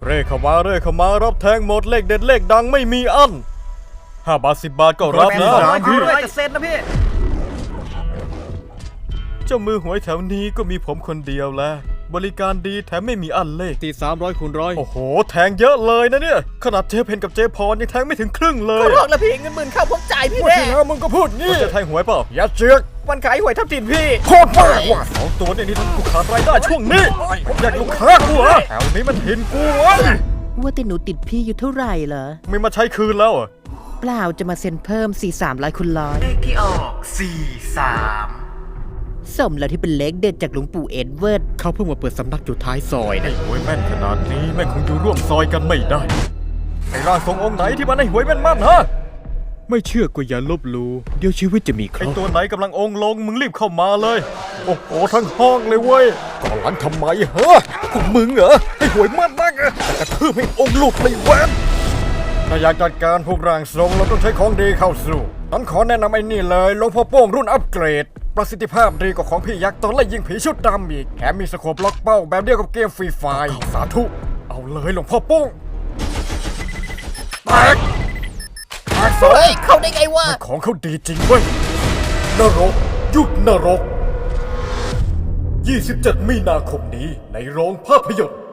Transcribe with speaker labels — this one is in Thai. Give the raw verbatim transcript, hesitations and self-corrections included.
Speaker 1: เร่เข้ามาเร่เข้ามารับแทงหมดเลขเด็ดเลขดังไม่มีอั้นห้าบาทสิบบาทก็รับนะพี่จะเซ็นนะพี่เจ้ามือหวยแถวนี้ก็มีผมคนเดียวแหละบริการดีแถมไม่มีอันเลขตีสามร้อยคูณร้อยโอ้โหแทงเยอะเลยนะเนี่ยขนาดเจ๊เพนกับเจ๊พรยังแทงไม่ถึงครึ่งเลย
Speaker 2: ก็บอกแล้วพี่เงินหมื่นเข้าผมจ่ายพี่แน่
Speaker 1: วันที่แล้วมึงก็พูดงี้จะแทงหวยเปล่าอย่าเจือก
Speaker 2: วันขายหวยทับทิมพี่
Speaker 1: โคตรมากว่ะสองตัวเนี่ยนี่ทำกูขาดรายได้ช่วงนี้ผมอยากลูกค้ากูเหรอแถวนี้มันเห็นกูวะ
Speaker 3: ว่าแต่หนูติดพี่อยู่เท่าไหร่เหรอ
Speaker 1: ไม่มาใช้คืนแล้ว
Speaker 3: เปล่าจะมาเซ็นเพิ่มสี่สามร้อยคูณร้อย
Speaker 2: เลขที่ออกสี่สาม
Speaker 3: สมแล้วที่เป็นเลขเด็ดจากหลวงปู่เอ็ดเวิร์ด
Speaker 1: เขาเพิ่งมาเปิดสำนักอยู่ท้ายซอยนะหวยแม่นขนาดนี้แม่คงอยู่ร่วมซอยกันไม่ได้ไอ้ร่างทรงองค์ไหนที่มันให้หวยแม่นมั่นฮะไม่เชื่อก็อย่าลบหลู่เดี๋ยวชีวิตจะมีเคราะห์ไอ้ตัวไหนกำลังองค์ลงมึงรีบเข้ามาเลยโอ้โหทั้งห้องเลยเว้ยก่อนหลังทำไมฮะพวกมึงเหรอให้หวยมั่นนักอะแต่กระทืบให้องค์หลุดเลยแวนถ้าอยากจัดการพวกร่างทรงเราต้องใช้ของดีเข้าสู่นั้นขอแนะนำไอ้นี่เลยหลวงพ่อโป้งรุ่นอัปเกรดประสิทธิภาพดีกว่าของพี่ยักษ์ตอนไล่ยิงผีชุดดำอีกแถมมีสโคปล็อกเป้าแบบเดียวกับเกมฟรีไฟร์สาธุเอาเลยหลวงพ่อโป้งแตกแตกสอง
Speaker 2: เข้าได้ไงวะ
Speaker 1: ของเขาดีจริงเว้ยนรกยุคนรกยี่สิบเจ็ดมีนาคมนี้ในโรงภาพยนตร์